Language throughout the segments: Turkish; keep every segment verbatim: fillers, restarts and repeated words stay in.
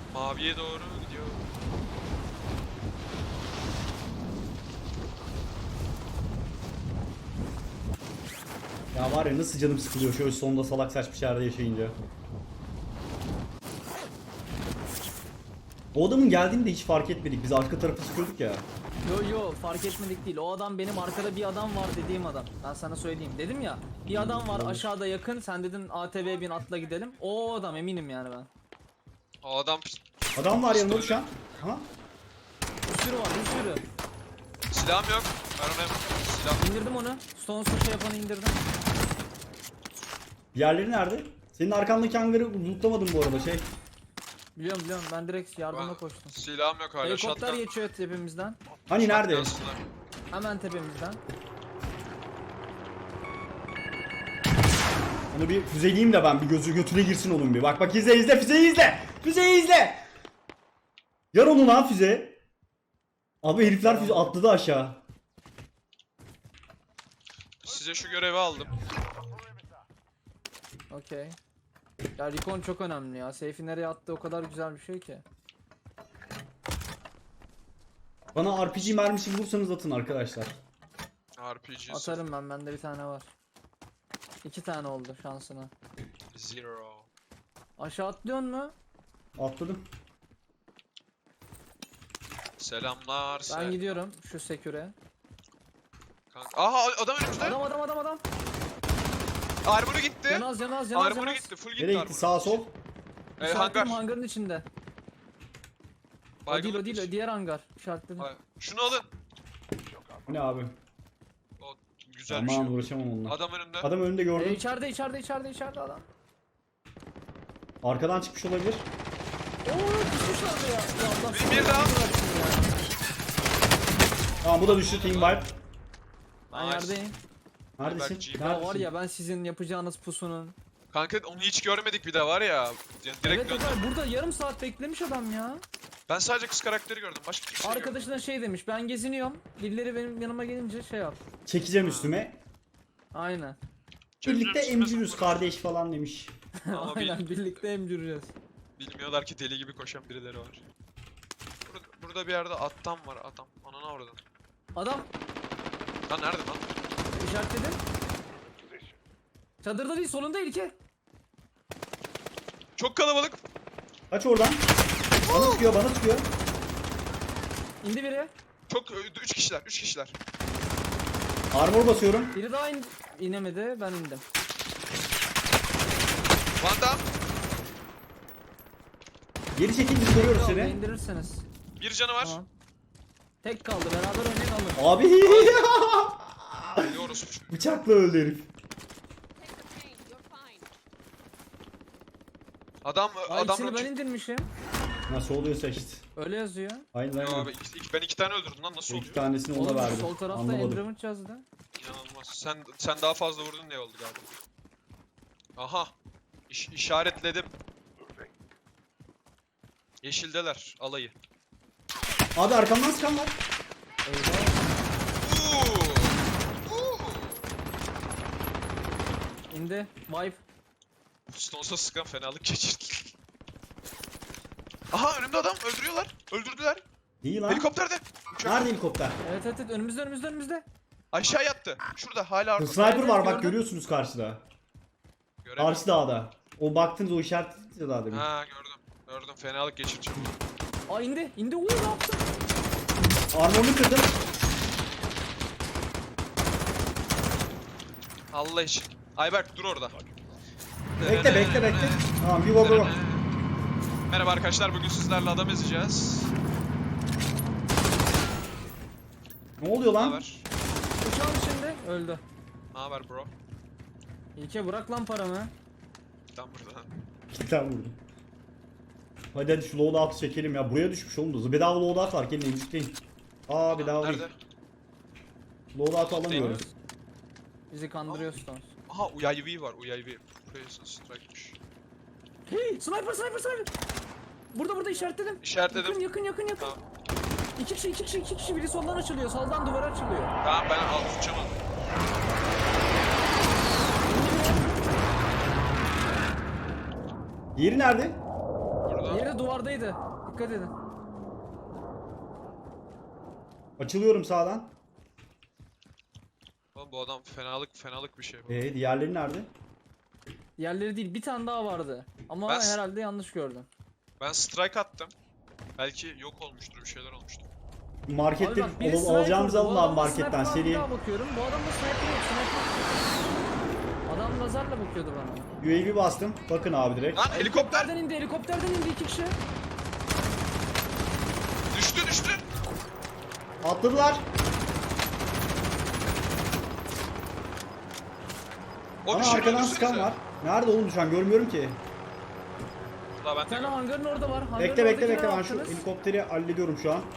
Maviye doğru gidiyor. Ya var ya nasıl canım sıkılıyor şöyle sonunda salak saçma şeylerde yaşayınca. O adamın geldiğini de hiç fark etmedik. Biz arka tarafı sıkıyorduk ya. Yo yo fark etmedik değil. O adam benim arkada bir adam var dediğim adam. Ben sana söyleyeyim. Dedim ya bir adam var aşağıda yakın. Sen dedin A T V bin atla gidelim. O adam eminim yani ben. O adam Adam var yanımda şu an. Ha? Bir sürü var bir sürü. silahım yok. Ben ona silah. İndirdim onu. Stones'u şey yapanı indirdim. Diğerleri nerede? Senin arkandaki hangarı lootlamadım bu arada şey. Biliyorum biliyorum ben direkt yardıma Ben- koştum. Silahım yok hala. Helikopter Shotgun- geçiyor tepemizden. Hani nerede? shotguns'lar. Hemen tepemizden. Onu bir füzeleyeyim de ben bir gözü götüne girsin onun bir. Bak bak izle izle füzeyi izle. Füzeyi izle. Yar onu lan füze. Abi herifler füze atladı aşağı. Size şu görevi aldım. Okey. Ya recon çok önemli ya. Seyfi nereye attı o kadar güzel bir şey ki. Bana R P G mermisi bulursanız atın arkadaşlar. R P G. Atarım ben bende bir tane var. İki tane oldu şansına. Zero. Aşağı atlıyor mu? Atladım. Selamlar. Ben sen- gidiyorum şu seküre. Kanka. Aha adam önümüzde. Adam adam adam adam. Armor'u gitti. Canaz canaz canaz Armor'u canaz. gitti. Full gitti Nereye gitti? armor'u. Sağ sol. Ee, İşaretledim hangar. hangarın içinde. O değil o değil o diğer hangar. İşaretledim. Hayır. Şunu alın. Bu ne abi? O güzel bir Aman şey. uğraşamam onunla. Adam önümde. Adam önünde Ee, gördüm. içeride içeride içeride içeride adam. Arkadan çıkmış olabilir. Oo düşmüşler ya. Ya Allah Bir- bir daha. Tamam bu da düştü team wipe. Ben Nice. yerdeyim. Neredesin? Belki- Ya var Neredesin? ya ben sizin yapacağınız pusunun. Kanka onu hiç görmedik bir de var ya. Yani direkt Evet döndüm. Ömer burada yarım saat beklemiş adam ya. Ben sadece kız karakteri gördüm. Başka kimse görmedim. Arkadaşına şey demiş ben geziniyorum. Birileri benim yanıma gelince şey yap. Çekeceğim üstüme. Aynen. Birlikte Çocuğun üstüne emciriz sokulur. kardeş falan demiş. Ama bil- Aynen birlikte emcüreceğiz. bilmiyorlar ki deli gibi koşan birileri var. Burada, burada bir yerde attan var adam. Anana oradan. Adam Lan nerede lan? işaretledim. Çadırda değil solunda İlke. Çok kalabalık. Kaç oradan. Bana çıkıyor bana çıkıyor. İndi biri. Çok üç kişiler, üç kişiler. Armor basıyorum. Biri daha in inemedi ben indim. Van Damme, Geri çekil biz koruyoruz Kaldı, seni. indirirseniz. bir canı var. Tamam. Tek kaldı beraber oynayın alın. Abi Diyoruz. bıçakla öldü herif. Adam, Ay adam ikisini ben roket- indirmişim. Nasıl oluyorsa işte. Öyle yazıyor. Aynen Yo aynen. abi, iki- iki- ben iki tane öldürdüm lan, nasıl İki oluyor? tanesini ona Oğlum verdim. sol tarafta Anlamadım. Endremit yazdı. İnanılmaz. Sen sen daha fazla vurdun diye oldu galiba. Aha. İş, işaretledim. Yeşildeler alayı. Abi arkamdan sıkan var. Eyvah. Uuu. Uuu. İndi. Vibe. Stones'a sıkan fenalık geçirdi. Aha önümde adam, öldürüyorlar. Öldürdüler. Değil lan. Helikopterde. Uçak. Nerede helikopter? Evet evet evet önümüzde önümüzde önümüzde. Aşağı yattı. Şurada hala orada. Sniper Evet, var evet, bak gördüm. görüyorsunuz karşıda. Göremiyorum. Karşı dağda. O baktınız o işaret ya daha demin. Ha gördüm. Gördüm, fenalık geçireceğim. Aa indi. İndi. Uuu ne yaptın? Armorunu kırdım. Allah için. Ayberk dur orada. Bekle bekle bekle. Tamam bir baba. Merhaba arkadaşlar, bugün sizlerle adam ezeceğiz. Ne oluyor Ne lan? haber? Uçağın içinde. Öldü. Ne haber bro? İlke bırak lan paramı. Tam burada. İki tane vurdum. Hadi hadi şu loadout'u çekelim ya. Buraya düşmüş oğlum da. Bedava loadout var. Gelin emcikleyin. Aa bedava değil. Nerede? Loadout'u alamıyorum. Bizi kandırıyor Stones. Aha U A V var, U A V. Precision Strike'mış. Hey sniper sniper sniper. Burada burada işaretledim. İşaretledim. Yakın yakın yakın yakın. Tamam. İki kişi iki kişi iki kişi biri soldan açılıyor. Soldan duvar açılıyor. Tamam ben al tutacağım onu. Yeri nerede? Burada. Yeri duvar duvardaydı. Dikkat edin. Açılıyorum sağdan. Oğlum bu adam fenalık fenalık bir şey bu. Ee diğerleri nerede? Yerleri değil, bir tane daha vardı. Ama Ben- herhalde yanlış gördüm. Ben strike attım. Belki yok olmuştur, bir şeyler olmuştur. Markette Abi bak, biri al- sniper, alacağımızı bu alın abi adamda marketten sniper var, seri. bir daha bakıyorum. Bu adamda sniper yok, sniper. Adam lazerle bakıyordu bana. U A V bastım. Bakın abi direkt. Lan helikopter Helikopterden indi, helikopterden indi iki kişi. düştü düştü. Atladılar. O Ama düşeni arkadan öldürsenize. sıkan var. Nerede oğlum düşen görmüyorum ki. La ben Bir de tane hangarın orada var. Hangarın Bekle bekle oradakileri bekle ben şu attınız. helikopteri hallediyorum şu an.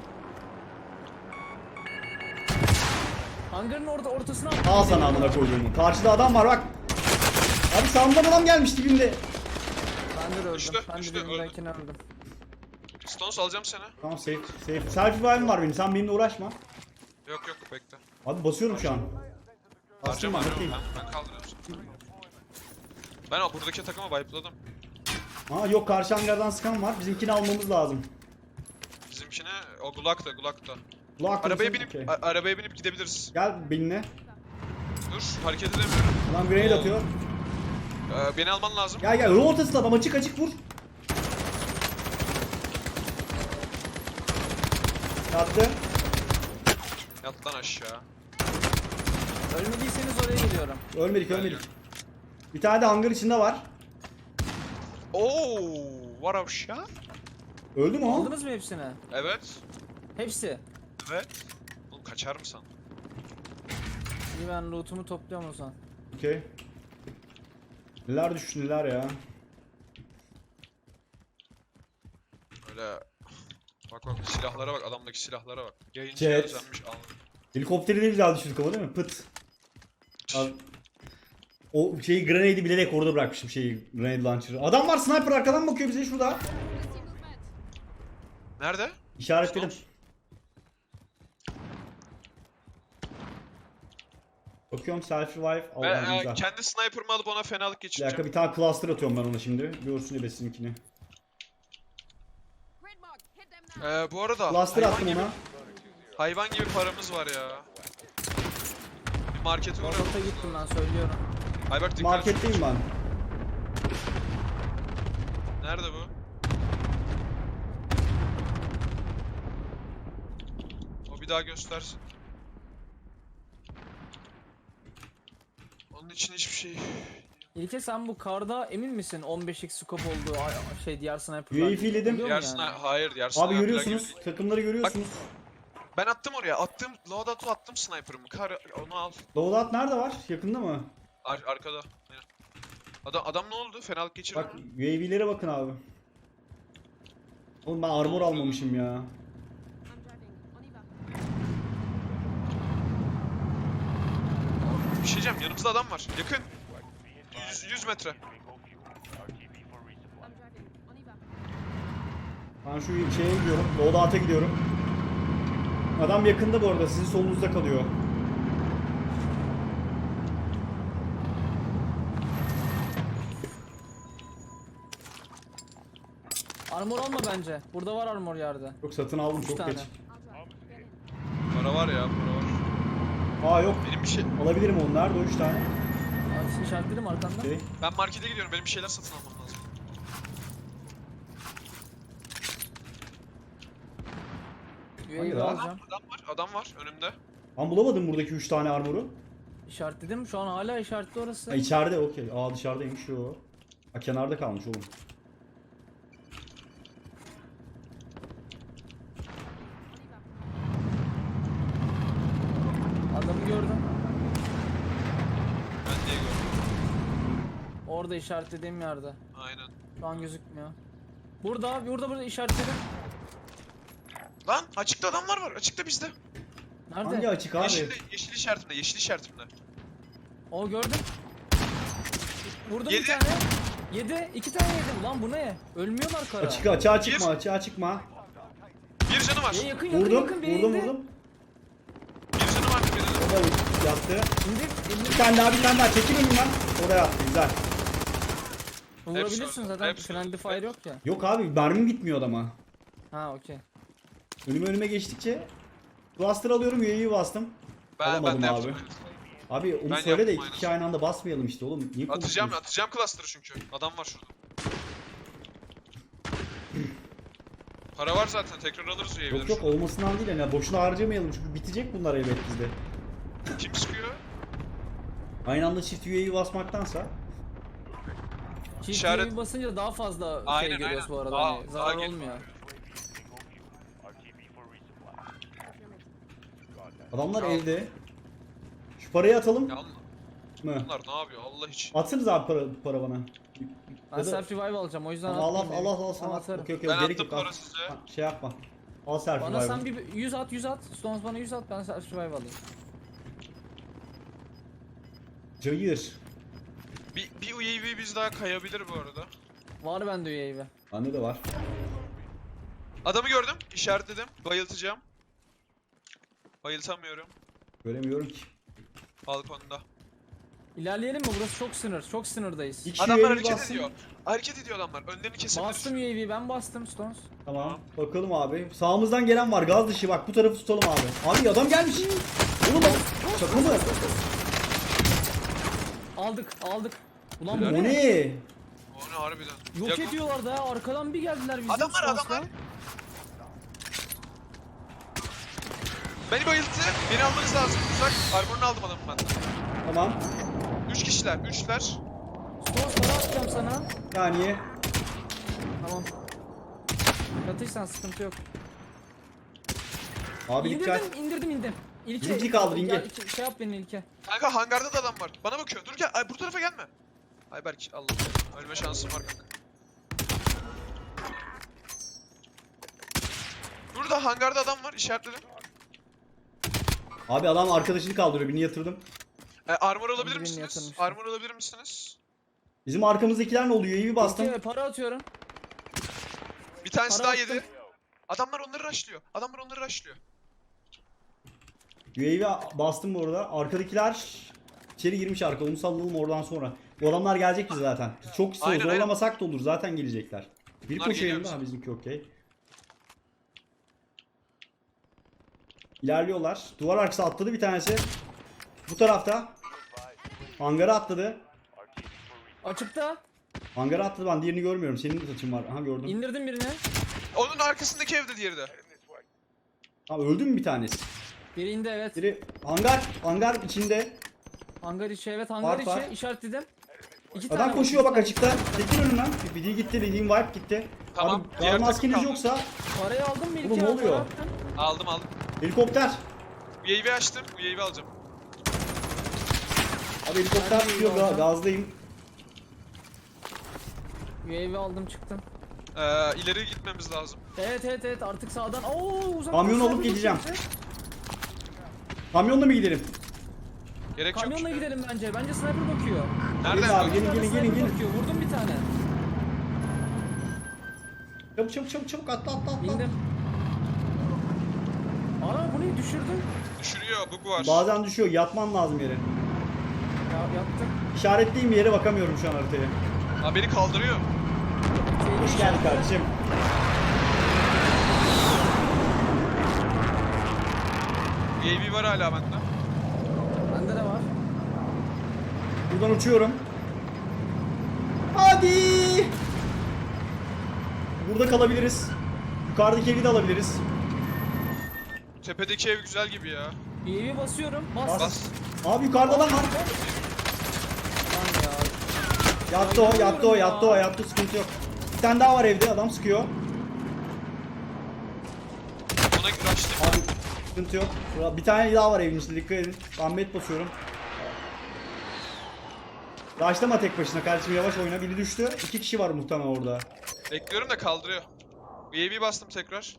Hangarın orada ortasına attım. Al sana amına koyduğumu. Karşıda adam var bak. Abi sağımdan adam gelmiş dibimde. Ben de öldüm. Düştü, ben de düştü, birimdekini öldüm. Stones alacağım seni. Tamam safe safe. Selfie vibe'im var benim. Sen benimle uğraşma. Yok yok bekle. Abi basıyorum şu an. Bastım Harcama ben harcama. bakayım. Ben, ben kaldırıyorum seni. Ben o buradaki takımı wipe'ladım. Aa yok karşı hangardan sıkan var. Bizimkini almamız lazım. Bizimkine o Gulak'ta Gulak'ta. Kulak Arabaya mısın? binip Okey. a- arabaya binip gidebiliriz. Gel benimle. Dur hareket edemiyorum. Adam grenade atıyor. Ee, beni alman lazım. Gel gel. Yol ortasında adam açık açık vur. Yattı. Yat lan aşağı. Ölmediyseniz oraya geliyorum. Ölmedik ölmedik. Bir tane de hangar içinde var. Oo, var aşağı. Öldü mü o? Aldınız mı hepsini? Evet. Hepsi. Evet. Oğlum kaçar mı san? İyi, ben lootumu topluyorum o zaman. Okey. Neler düştü neler ya. Öyle. Bak bak silahlara bak, adamdaki silahlara bak. Yayıncı Jet. özenmiş al. Helikopteri de güzel düşürdük ama değil mi? Pıt. Abi, o şeyi grenade'i bilerek orada bırakmışım şeyi grenade launcher'ı. Adam var sniper arkadan bakıyor bize şurada. Nerede? İşaretledim. Stones. Bakıyorum selfie revive. Ben Allah'ım e, güzel. kendi sniper'ımı alıp ona fenalık Bir dakika geçireceğim. bir tane cluster atıyorum ben ona şimdi. Görsün ebesininkini. Ee, bu arada Cluster hayvan attım gibi, ona. hayvan gibi paramız var ya. Bir markete uğrayalım. Orta gittim ben söylüyorum. Ayberk dikkat et. Marketteyim ben. Nerede bu? O bir daha göstersin. Onun için hiçbir şey. İlke sen bu karda emin misin on beş x scope olduğu ay- şey diğer sniper'lar? U A V'ledim. Oluyor mu Diğer yani? sniper, hayır diğer Abi sniper'lar görüyorsunuz. gibi değil. Takımları görüyorsunuz. Ben attım oraya. Attım. Loadout'u attım sniper'ımı. Kar onu al. Loadout nerede var? Yakında mı? Ar arkada. Aynen. Adam adam ne oldu? Fenalık geçirdi Bak mi? U A V'lere bakın abi. Oğlum ben armor almamışım ya. Bir şey diyeceğim. Yanımızda adam var. Yakın. yüz, yüz metre. Ben şu şeye gidiyorum. Loadout'a gidiyorum. Adam yakında bu arada. Sizin solunuzda kalıyor. Armor alma bence. Burada var armor yerde. Yok satın aldım Üç çok tane. geç. Para var ya. Para var. Aa yok. Benim bir şey. Alabilirim onu. Nerede o üç tane? Abi işaretledim arkanda. Şey. Ben markete gidiyorum. Benim bir şeyler satın almam lazım. U A Hayır V abi. alacağım. Adam var. Adam var önümde. Ben bulamadım buradaki üç tane armoru. İşaretledim. Şu an hala işaretli orası. Ha içeride okey. Aa dışarıdaymış o. Ha kenarda kalmış oğlum. Adamı gördüm. Ben diye gördüm. Orada işaretlediğim yerde. Aynen. Şu an gözükmüyor. Burada, burada, burada işaretledim. Lan açıkta adamlar var. Açıkta bizde. Nerede? Hangi açık abi? Yeşil, yeşil işaretimde. Yeşil işaretimde. O gördüm. Vurdum Yedi. bir tane. Yedi. iki tane yedim. Lan bu ne? Ölmüyorlar kara. Açık açığa çıkma Bir- açığa çıkma. Bir canı var. Ya yakın yakın Vurdum yakın biri vurdum indi. vurdum. Bir canı var birinin. O da yattı. İndir, Bir indir. tane daha bir tane daha çekil önümden. O da yattı güzel. Vurabilirsin orada, zaten hepsi friendly orada. fire yok ya. Yok abi mermim bitmiyor adama. Ha okey. Önüme önüme geçtikçe cluster alıyorum, U A V bastım. Ben, Alamadım ben de abi. yaptım. aynısını. Abi onu Ben söyle de yaptım iki kişi aynı anda basmayalım işte oğlum. Niye Atacağım konuşuyorsun? atacağım cluster'ı çünkü. Adam var şurada. Para var zaten, tekrar alırız U A V'leri. Yok yok olmasından değil yani boşuna harcamayalım çünkü bitecek bunlar elbet bizde. Kim sıkıyor? Aynı anda çift U A V basmaktansa. Çift İşaret- U A V basınca daha fazla Aynen, şey görüyoruz aynen. bu arada. Daha- hani daha zarar gel- olmuyor. Adamlar Tamam. evde. Şu parayı atalım Ya mı? bunlar ne yapıyor Allah için? Atsanız abi para, para bana. Ben Ya da- self revive alacağım o yüzden Tamam, Allah atmayayım Allah dedim. Allah sana Ama at. atarım. Okey okey Ben gerek attım yok. al. para size. Ha, şey yapma. Al selfie Bana sen revive'ı. bir yüz at yüz at. Stones bana yüz at ben self revive alayım. Cayır. Bir, bir U A V biz daha kayabilir bu arada. Var bende U A V. Bende de var. Adamı gördüm, işaretledim. Bayıltacağım. Bayıltamıyorum. Göremiyorum ki. Balkonda. İlerleyelim mi? Burası çok sınır. Çok sınırdayız. İki Adamlar U A V hareket bassın. ediyor. Hareket ediyor adamlar. Önlerini kesebilir. Bastım U A V ben bastım Stones. Tamam. Bakalım abi. Sağımızdan gelen var. Gaz dışı bak bu tarafı tutalım abi. Abi adam gelmiş. Oğlum bak. Şaka mı? Aldık aldık. Ulan O bu ne? ne? O ne harbiden. Yok Yakın- ediyorlar da ya. Arkadan bir geldiler bizim Adamlar, Stones'la. adamlar. Beni bayılttı. Beni almanız lazım. Uzak. Armorunu aldım adamın ben. Tamam. Üç kişiler. Üçler. Stones para atacağım sana. Bir saniye. Tamam. Yatırsan sıkıntı yok. Abi dikkat. İndirdim indirdim indim. İlke. Bizimki kaldı, Gel, İnge. iki- Şey yap beni İlke. Kanka hangarda da adam var. Bana bakıyor. Dur gel. Ay bu tarafa gelme. Ayberk Allah. Ölme şansım var kanka. Burada hangarda adam var. İşaretledim. Abi adam arkadaşını kaldırıyor. Birini yatırdım. E, armor alabilir birini misiniz? yatırmıştım. Armor alabilir misiniz? Bizim arkamızdakiler ne oluyor? U A V bastım. İlke para atıyorum. Bir tanesi Para daha attım. yedi. Adamlar onları rushlıyor. Adamlar onları rushlıyor. U A V bastım bu arada. Arkadakiler içeri girmiş arka. Onu sallalım oradan sonra. Bu adamlar gelecek bize zaten. Çok zor, Aynen, zorlamasak da olur. Zaten gelecekler. Bir Bunlar koşuyor geliyor yanında. Ha bizimki okey. İlerliyorlar. Duvar arkası atladı bir tanesi. Bu tarafta. Hangara atladı. Açıkta. Hangara atladı, ben diğerini görmüyorum. Senin de saçın var. Aha gördüm. İndirdim birini. Onun arkasındaki evde diğeri de. Tamam öldü mü bir tanesi? Biri indi evet. Biri hangar. Hangar içinde. Hangar içi evet hangar Var, var. içi işaretledim. İki Adam tane koşuyor var, bak iki tane. açıkta. Çekil önünden. Bir biri gitti. Dediğim wipe gitti. Tamam, Abi diğer daha takım maskeniz kaldı. yoksa Parayı aldın mı İlke? Oğlum, ne Para oluyor? attın. Aldım aldım. helikopter. U A V açtım. U A V alacağım. Abi helikopter Ben de tutuyor. alacağım. Gazdayım. U A V aldım çıktım. Ee, ileri gitmemiz lazım. Evet evet evet artık sağdan. Oo uzak. Kamyon sniper alıp gideceğim. bakıyor bize. Kamyonla mı gidelim? Gerek yok. Kamyonla gidelim bence. Bence sniper bakıyor. Nereden? Gelin abi, Bir gelin tane gelin sniper gelin gelin. bakıyor. Vurdum bir tane. Çabuk çabuk çabuk çabuk atla atla atla. İndim. Ana bu ne düşürdüm. Düşürüyor. Bug var. Bazen düşüyor. Yatman lazım yere. Ya yaptım. İşaretliyim bir yere, bakamıyorum şu an haritaya. Ha beni kaldırıyor. Hoş geldin kardeşim. U A V var hala bende. Bende de var. Buradan uçuyorum. Hadi. Burada kalabiliriz. Yukarıdaki evi de alabiliriz. Tepedeki ev güzel gibi ya. U A V basıyorum. Bas. Bas. Bas. Abi yukarıda adam var. Lan ya. Yattı o, yattı o, yattı o, yattı, sıkıntı yok. Bir tane daha var evde, adam sıkıyor. Ona açtım. Abi sıkıntı yok. Şurada bir tane daha var evin içinde, dikkat edin. Ahmet basıyorum. Başlama tek başına kardeşim, yavaş oyna. Biri düştü. İki kişi var muhtemelen orada. Bekliyorum da kaldırıyor. U A V bastım tekrar.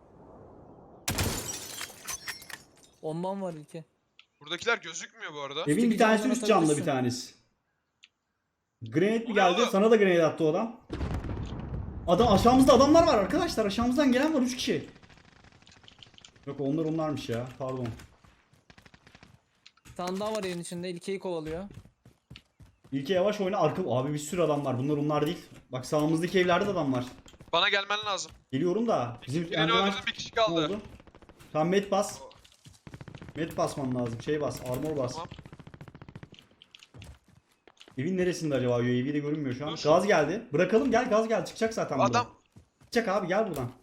Bombam var İlke. Buradakiler gözükmüyor bu arada. Evin bir bir tanesi camdan üst camda bir atabilirsin. tanesi. Grenade mi Bu ne geldi? oğlum? Sana da grenade attı o adam. Adam aşağımızda adamlar var arkadaşlar. Aşağımızdan gelen var üç kişi. Yok onlar onlarmış ya. Pardon. Bir tane daha var evin içinde. İlkeyi kovalıyor. İlke yavaş oyna. Arka... Abi bir sürü adam var. Bunlar onlar değil. Bak sağımızdaki evlerde de adam var. Bana gelmen lazım. Geliyorum da. Bizim Birini Enderman- öldürdüm, bir kişi Ne kaldı. oldu? Tamam med bas. Med basman lazım. Şey bas. Armor bas. Tamam. Evin neresinde acaba? U A V de görünmüyor şu an. Dur. Gaz geldi. Bırakalım gel gaz geldi. Çıkacak zaten buradan. Adam Çıkacak abi gel buradan.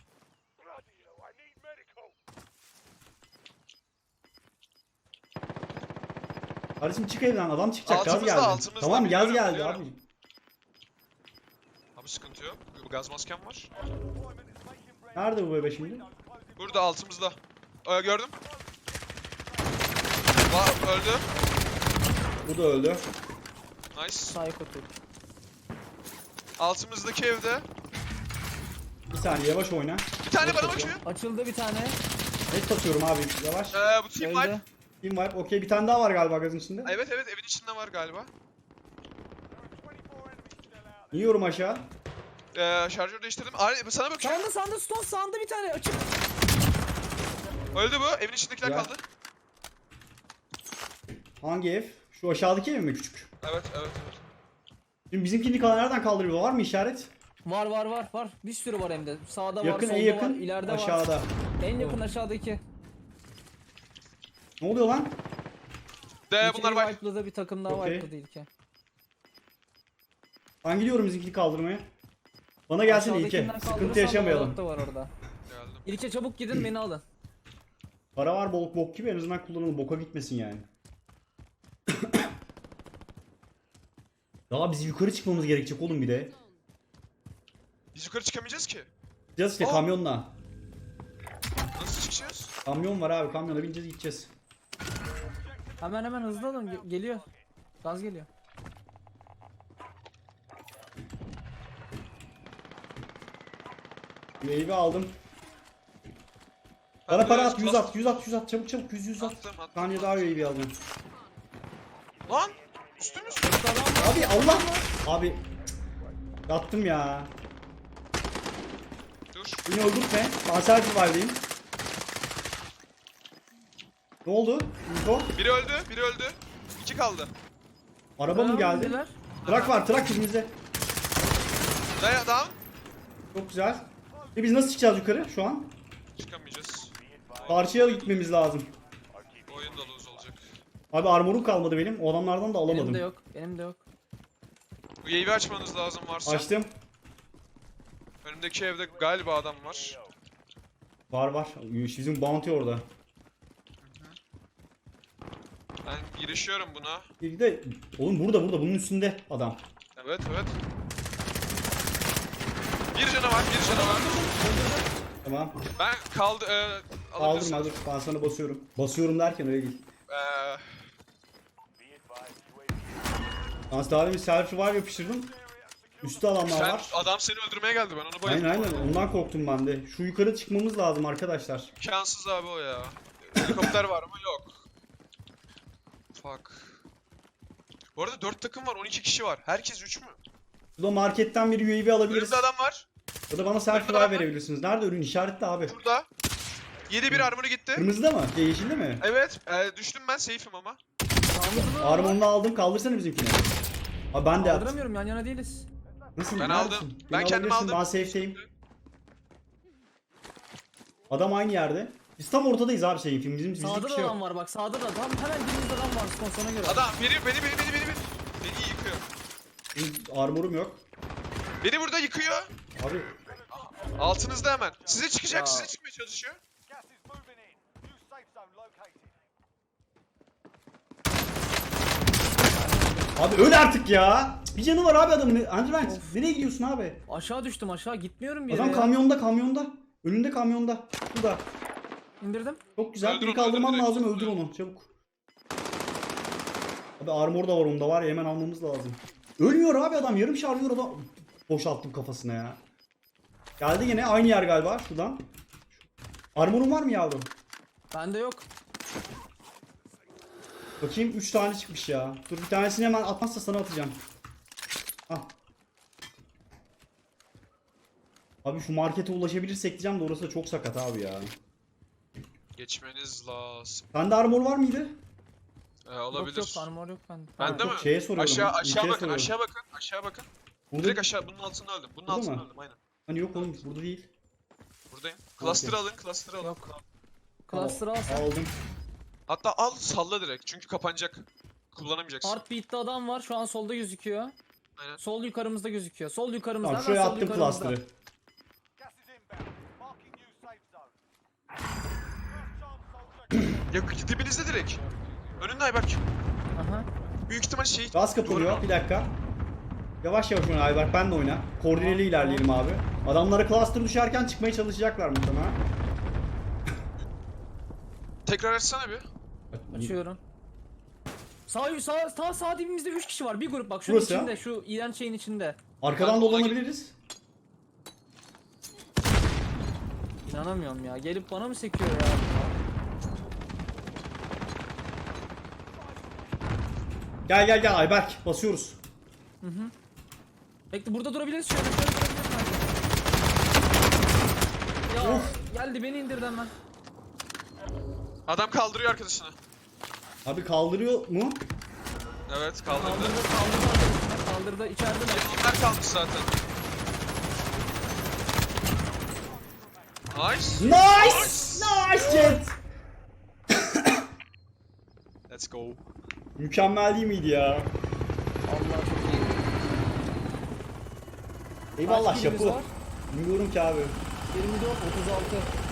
Kardeşim çık evden adam çıkacak gaz Altımızda, geldi. altımızda, Tamam gaz biliyorum, geldi biliyorum. abi. Abi sıkıntı yok. Bu gaz maskem var. Nerede bu bebe şimdi? Burada altımızda. Ee, gördüm. Va öldü. Bu da öldü. Nice. Psycho Türk. Altımızdaki evde. Bir saniye yavaş oyna. Bir tane Yok, bana yok, bakıyor. Açıldı bir tane. Net basıyorum abi yavaş. Ee, bu team Öldü. wipe. Team wipe okey bir tane daha var galiba gazın içinde. Evet evet, evin içinde var galiba. İniyorum aşağı. Ee, şarjör değiştirdim. Aa, sana bakıyor. Sağında sağında stone sağında bir tane açık. Öldü bu. Evin içindekiler Ya. kaldı. Hangi ev? Şu aşağıdaki ev mi küçük? Evet evet evet. Şimdi bizimkini kalan nereden kaldırıyor? Var mı işaret? Var var var var. Bir sürü var hem de. Sağda Yakın var, en solda yakın var, ileride var. aşağıda. En yakın aşağıdaki. Ne oluyor lan? De İlkeyi bunlar wipe. wipe'ladı, bir takım daha Okey. wipe'ladı ilke. Ben gidiyorum bizimkini kaldırmaya. Bana gelsin İlke. Aşağıdakinden Sıkıntı kaldırırsan yaşamayalım. Valorant da var orada. Geldim. İlke çabuk gidin beni alın. Para var bol bok gibi en azından kullanalım. Boka gitmesin yani. Daha biz yukarı çıkmamız gerekecek oğlum bir de. Biz yukarı çıkamayacağız ki. Gideceğiz işte Aa. kamyonla. Nasıl çıkacağız? Kamyon var abi kamyona bineceğiz gideceğiz. Hemen hemen hızlı alın, ge- geliyor. Gaz geliyor. Meyve aldım. Bana Ben para biraz at yüz plus- at yüz at yüz at çabuk çabuk yüz yüz at. Attım, attım, Saniye attım. daha üyeyi alacağım. Lan! Üstümüz. Abi Allah! Abi cık, yattım ya. Dur. Beni öldürtme. Kanser survive'deyim. Ne oldu? Info? Biri öldü, biri öldü. İki kaldı. Araba mı geldi? Öldüler. Trak var, trak bizimizde. Daya down. Çok güzel. E biz nasıl çıkacağız yukarı şu an? Çıkamayacağız. Karşıya gitmemiz lazım. Oyun da lose olacak. Abi armorum kalmadı benim. O adamlardan da alamadım. Benim de yok. Benim de yok. U A V açmanız lazım varsa. Açtım. Önümdeki evde galiba adam var. Var var. Bizim bounty orada. Ben girişiyorum buna. Bir de oğlum burada burada bunun üstünde adam. Evet evet. Bir canavar, bir canavar. Tamam. Ben kaldı. E, Aldım alabilirsin. aldım. Ben sana basıyorum. Basıyorum derken öyle değil. Eee Ben daha demin selfie var yapıştırdım. Üstte adamlar sen var. adam seni öldürmeye geldi, ben onu Aynen bayıldım. aynen ondan korktum ben de. Şu yukarı çıkmamız lazım arkadaşlar. İmkansız abi o ya. Helikopter var ama yok. Fuck. Bu arada dört takım var, on iki kişi var. Herkes üç mü? Burada marketten bir U A V alabiliriz. Önümde adam var. Ya da bana selfie Önümde var adam var. verebilirsiniz. Nerede ürün işaretli abi? Burada. yedi bir armor'u gitti. Kırmızıda mı? Şey, yeşilde mi? Evet, e, düştüm ben, safe'im ama. Sağımızda da var. Armorunu aldım. Kaldırsana bizimkini. Abi ben de yaptım. Kaldıramıyorum, yan yana değiliz. Nasıl? Ben Neredesin? aldım. Beni Ben kendim alabilirsin, aldım. Ben safe'teyim. Adam aynı yerde. Biz tam ortadayız abi şeyin film. Bizim bizlik Sağda bir da şey adam yok. var bak, sağda da adam. Hemen dibimizde adam var, sponsora göre. Adam beni beni beni beni beni beni beni yıkıyor. Benim armorum yok. Beni burada yıkıyor. Abi Altınızda hemen. Size çıkacak, Ya. size çıkmaya çalışıyor. Gas is moving in. New safe zone located. abi öl artık ya. Bir canı var abi adamın. Andrevent nereye gidiyorsun abi? Aşağı düştüm, aşağı gitmiyorum bir yere Adam ya. kamyonda kamyonda. Önünde kamyonda. Şurada. İndirdim. Çok güzel. Öldür Bir onu, kaldırman öldür direkt. lazım. Öldür onu. Çabuk. Abi armor da var onda var ya. Hemen almamız lazım. Ölmüyor abi adam. Yarım şarjör adam. Boşalttım kafasına ya. Geldi yine. Aynı yer galiba. Şuradan. Armorun var mı yavrum? Bende yok. Bakayım üç tane çıkmış ya. Dur bir tanesini hemen atmazsa sana atacağım. Al. Abi şu markete ulaşabilirsek diyeceğim de orası da çok sakat abi ya. Geçmeniz lazım. Sende armor var mıydı? Ee, olabilir. Yok yok armor yok bende. Bende Yok, mi? şeye soruyorum, Aşağı ülkeye aşağı bakın, soruyorum. aşağı bakın, aşağı bakın. Burada, Direkt aşağı bunun altında öldüm. Bunun Burada altında mı? öldüm aynen. hani yok oğlum burada değil. Buradayım. Cluster'ı alın, cluster'ı alın. Yok. Cluster'ı al sen. Aldım. Hatta al salla direkt çünkü kapanacak. Kullanamayacaksın. Heartbeat'te adam var şu an solda gözüküyor. Aynen. Sol yukarımızda gözüküyor. Sol yukarımızda. Tamam hemen şuraya sol attım yukarımızda. cluster'ı. Gas is inbound. Marking new safe zone. First chance soldier. Ya dibinizde direkt. Önünde Ayberk. Aha. Büyük ihtimal şey... Gaz kapanıyor. Doğru. Bir dakika. Yavaş yavaş oyna Ayberk, ben de oyna. Koordineli ilerleyelim abi. Adamlara cluster düşerken çıkmaya çalışacaklar muhtemelen. Tekrar açsana bir. Açıyorum. Sağ sağ sağ sağ dibimizde üç kişi var. Bir grup bak şunun Burası ya. içinde, şu iğrenç şeyin içinde. Arkadan Ben dolanabiliriz. İnanamıyorum ya. Gelip bana mı sekiyor ya? Gel gel gel Ayberk, basıyoruz. Bekle burada durabiliriz şöyle. Şöyle durabiliriz bence. Ya geldi beni indirdi hemen. Adam kaldırıyor arkadaşını. Abi kaldırıyor mu? Evet kaldırdı. Kaldırdı kaldırdı arkadaşını. Kaldırdı içeride mi? Onlar kalmış zaten. Nice. Nice! Nice Jet! Let's go. Mükemmel değil miydi ya? Allah çok iyi. Eyvallah Kaç kilimiz şapu. var? Bilmiyorum ki abi. yirmi dört otuz altı.